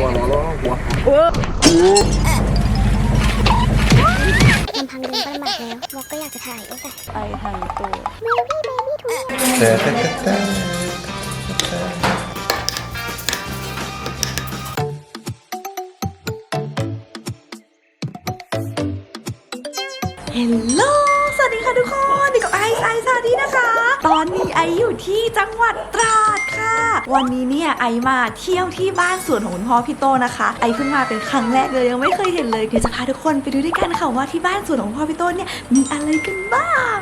ลำพังเดินก็ลำบากแล้ววอกก็อยากจะถ่ายด้วยแต่ไปทางตัวเบบี้ทุกเฮลโลสวัสดีค่ะทุกคนอยู่กับไอซ์ซาดีนะคะ ตอนนี้ไออยู่ที่จังหวัดตราดค่ะ วันนี้เนี่ยไอมาเที่ยวที่บ้านสวนของคุณพ่อพี่โตนะคะไอเพิ่งมาเป็นครั้งแรกเลยยังไม่เคยเห็นเลยเดี๋ยวจะพาทุกคนไปดูด้วยกันค่ะว่าที่บ้านสวนของพ่อพี่โตเนี่ยมีอะไรกันบ้าง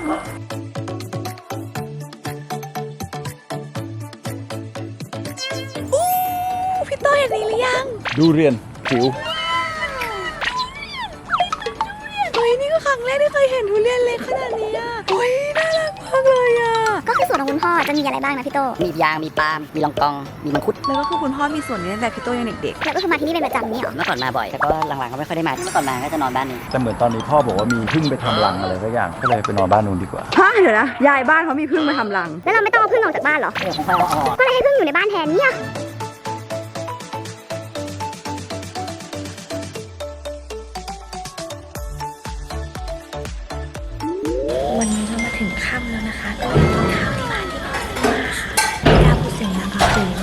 พี่โตเห็นนี่หรือยังดูเรียนผิวเฮ้ยนี่ก็ครั้งแรกที่เคยเห็นทุเรียนเล็กขนาดนี้อ่ะเฮ้ยน่ารักมากเลยอ่ะก็คือสวนของคุณพ่อจะมีอะไรบ้างนะพี่โตมียางมีปาล์มมีลองกองมีมังคุดแล้วก็คือคุณพ่อมีสวนนี้ตั้งแต่พี่โตยังเด็กแล้วก็คือมาที่นี่เป็นประจำนี่หรอเมื่อก่อนมาบ่อยแต่ก็หลังๆก็ไม่ค่อยได้มาเมื่อก่อนมาก็จะนอนบ้านนี้แต่เหมือนตอนนี้พ่อบอกว่ามีพึ่งไปทำรังอะไรสักอย่างก็เลยไปนอนบ้านนู้นดีกว่าฮะเดี๋ยวนะยายบ้านเขามีพึ่งมาทำรังแล้วเราไม่ต้องเอาพึ่งออกจากบ้านหรอก็เลยให้พึ่งอยู่ในบ้านแทนเนี่ยวันนี้เรามาถึงค่ำแล้วนะคะก็ไปกินข้าวที่บ้านที่พ่อซื้อมาค่ะไม่ได้พูดเสียงดังค่ะตื่น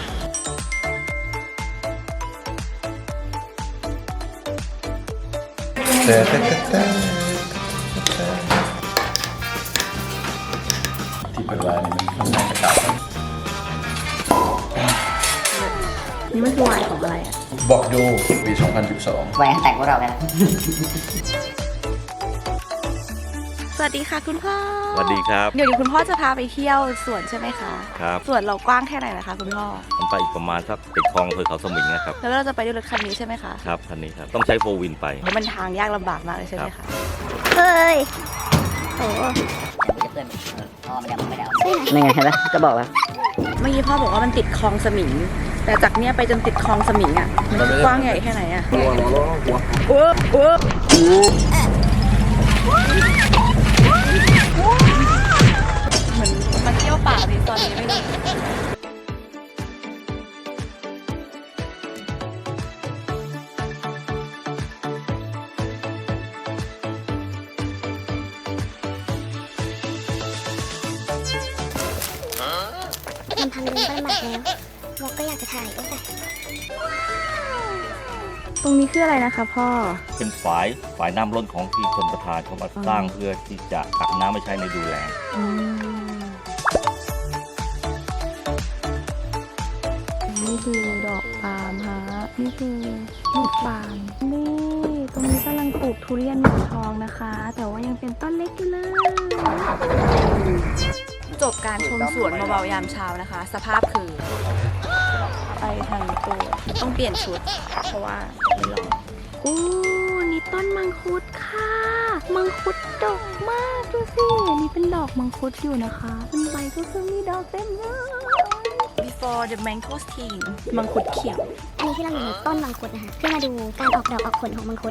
ที่เปิดร้านนี่มันน่าจะเก่านี่มันคือวายของอะไรอ่ะบอกดูปี 2012 ไว้แต่งพวกเราไปแล้วสวัสดีค่ะคุณพ่อสวัสดีครับเดี๋ยวคุณพ่อจะพาไปเที่ยวสวนใช่ไหมคะครับสวนเรากว้างแค่ไหนนะคะคุณพ่อมันไปอีกประมาณสักติดคลองอำเภอเขาสมิงนะครับแล้วเราจะไปด้วยรถคันนี้ใช่ไหมคะครับคันนี้ครับต้องใช้โฟร์วินไปเพราะมันทางยากลำบากมากเลยใช่ไหมคะเฮ้ยโอ้จะเพื่อนพ่อไม่ได้ไม่ได้นี่ไงเห็นไหมจะบอกแล้วเมื่อกี้พ่อบอกว่ามันติดคลองสมิงแต่จากเนี้ยไปจนติดคลองสมิงอ่ะมันกว้างใหญ่แค่ไหนอ่ะโอ้เหมือนมาเที่ยวป่าในตอนนี้ไม่รู้ลำพังเดินก็ลำบากแล้ววอกก็อยากจะถ่ายด้วยแต่ตรงนี้คืออะไรนะคะพ่อเป็นฝายน้ำล้นของที่ชนประทานเขามาสร้างเพื่อที่จะตักน้ำไม่ใช้ในดูแลนี่คือดอกปาล์มฮะนี่คือลูกปาล์มนี่ตรงนี้กำลังปลูกทุเรียนหมอนทองนะคะแต่ว่ายังเป็นต้นเล็กอยู่เลยจบการชมสวนเบาๆยามเช้านะคะสภาพคือไปทางตัวต้องเปลี่ยนชุดเพราะว่าไม่ร้อนนี่ต้นมังคุดค่ะมังคุดดกมากดูสินี่เป็นดอกมังคุดอยู่นะคะเป็นใบก็คือมีดอกเต็มเลย Before the mangosteen มังคุดเขียวอันนี้ที่เราอยู่ในต้นมังคุดนะคะเพื่อมาดูการออกดอกออกผลของมังคุด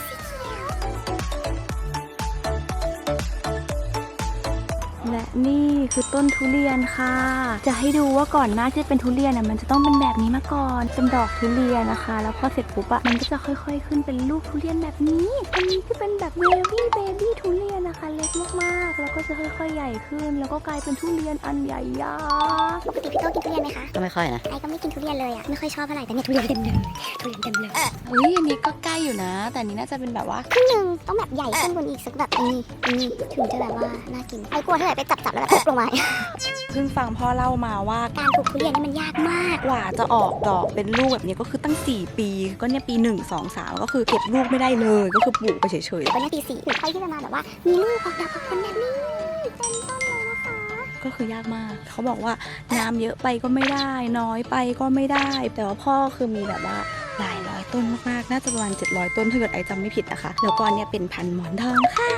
และนี่คือต้นทุเรียนค่ะจะให้ดูว่าก่อนหน้าที่เป็นทุเรียนมันจะต้องเป็นแบบนี้มาก่อนเป็นดอกทุเรียนนะคะแล้วพอเสร็จปุ๊บมันก็จะค่อยๆขึ้นเป็นลูกทุเรียนแบบนี้อันนี้คือเป็นแบบเบบี้ทุเรียนนะคะเล็กมากๆแล้วก็จะค่อยๆใหญ่ขึ้นแล้วก็กลายเป็นทุเรียนอันใหญ่ยักษ์ปกติพี่โตกินทุเรียนไหมคะก็ไม่ค่อยนะไอ้ก็ไม่กินทุเรียนเลยอ่ะไม่ค่อยชอบเท่าไหร่แต่เนี่ยทุเรียนเต็มเลยทุเรียนเต็มเลยเฮ้ยอันนี้ก็ใกล้อยู่นะแต่อันนี้น่าจะเป็นแบบว่าครึ่งนึงต้องแบบใหญ่ขึ้นบนอีกสักแบบนี้ถึงจะแบบว่าน่ากินไอ้กลัวเท่าไหร่ไปจับแล้วแบบลงมาเพิ่งฟังพ่อเล่ามาว่าการปลูกทุเรียนนี่มันยากมากกว่าจะออกดอกเป็นลูกแบบนี้ก็คือตั้ง4 ปีก็เนี่ยปี1 2 3ก็คือเก็บลูกไม่ได้เลยก็คือปลูกไปเฉยๆตอนนี้ปี4ถึงค่อยที่จะมาแบบว่ามีลูกออกดอกออกผลแบบนี้เต็มต้นเลยนะคะก็คือยากมากเขาบอกว่าน้ำเยอะไปก็ไม่ได้น้อยไปก็ไม่ได้แต่ว่าพ่อคือมีแบบว่าหลายร้อยต้นมากๆน่าจะประมาณ700 ต้นถ้าเกิดไอจำไม่ผิดนะคะแล้วก็เนี่ยเป็นพันธุ์หมอนทองค่ะ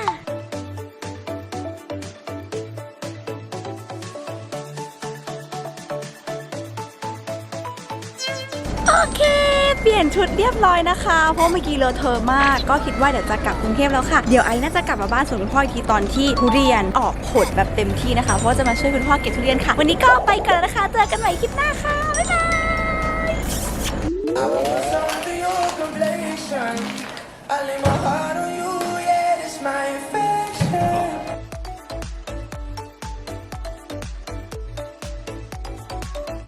โอเคเปลี่ยนชุดเรียบร้อยนะคะเพราะเมื่อกี้เลอะเทอะมากก็คิดว่าเดี๋ยวจะกลับกรุงเทพแล้วค่ะเดี๋ยวไอ้น่าจะกลับมาบ้านสวนคุณพ่ออีกทีตอนที่ทุเรียนออกผลแบบเต็มที่นะคะเพราะจะมาช่วยคุณพ่อเก็บทุเรียนค่ะวันนี้ก็ไปกันแล้วนะคะเจอกันใหม่คลิปหน้าค่ะบ๊ายบาย I lay my heart on you.